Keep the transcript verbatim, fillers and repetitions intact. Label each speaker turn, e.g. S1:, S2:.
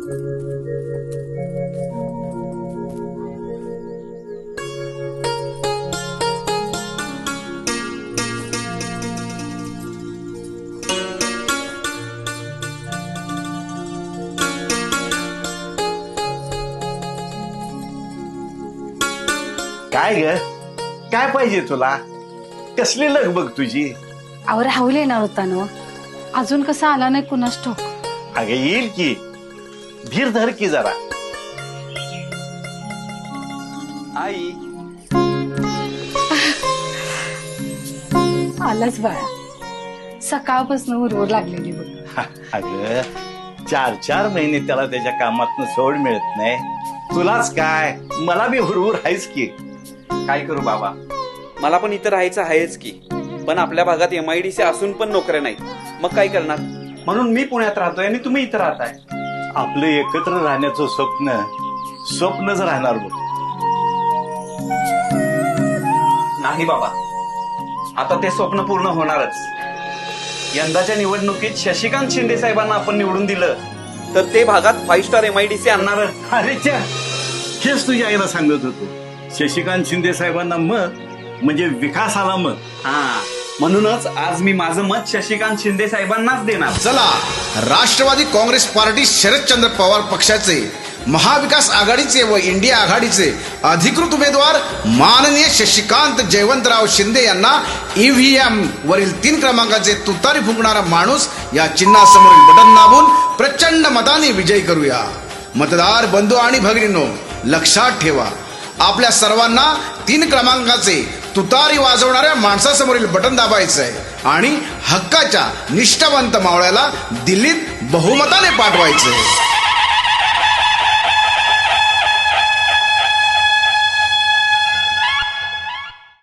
S1: काय ग, काय पाहिजे तुला? कसली लगबग तुझी?
S2: अहो राहुल येणार होता ना, अजून कसा आला नाही कुणास ठाऊक.
S1: अगं येईल की, धीर धर की जरा.
S3: आई
S2: आलाच बाळा, सकाळपासून उरवर लागलेली बघ.
S1: अगं चार चार महिने त्याला त्याच्या कामातनं सोड मिळत नाही. तुलाच काय, मला बी हुरहुर आहेच की.
S3: काय करू बाबा, मला पण इथं राहायचं आहेच की, पण आपल्या भागात एमआयडीसी असून पण नोकऱ्या नाहीत. मग काय करणार? म्हणून मी पुण्यात राहतोय आणि तुम्ही इथं राहताय.
S1: आपलं एकत्र राहण्याचं स्वप्न स्वप्नच राहणार बघ.
S3: नाही बाबा, आता ते स्वप्न पूर्ण होणारच. यंदाच्या निवडणुकीत शशिकांत शिंदे साहेबांना आपण निवडून दिलं तर ते भागात फाईव्ह स्टार एमआयडीसी आणणार.
S1: अरे च्या, हेच तुझ्या आईला सांगत होतो. शशिकांत शिंदे साहेबांना मत म्हणजे विकासाला मत.
S3: हा, म्हणूनच आज मी माझं मत शशिकांत शिंदे साहेबांनाच देणार.
S4: चला, राष्ट्रवादी काँग्रेस पार्टी शरदचंद्र पवार पक्षाचे, महाविकास आघाडीचे व इंडिया आघाडीचे अधिकृत उमेदवार माननीय शशिकांत जयवंतराव शिंदे यांना ईव्हीएम वरील तीन क्रमांकाचे तुतारी फुंकणारा माणूस या चिन्हासमोरील बटन दाबून प्रचंड मताने विजयी करूया. मतदार बंधू आणि भगिनींनो, लक्षात ठेवा, आपल्या सर्वांना तीन क्रमांकाचे तुतारी वाजवणाऱ्या माणसासमोरील बटन दाबायचं आहे आणि हक्काच्या निष्ठावंत मावळ्याला दिल्लीत बहुमताने पाठवायचंय.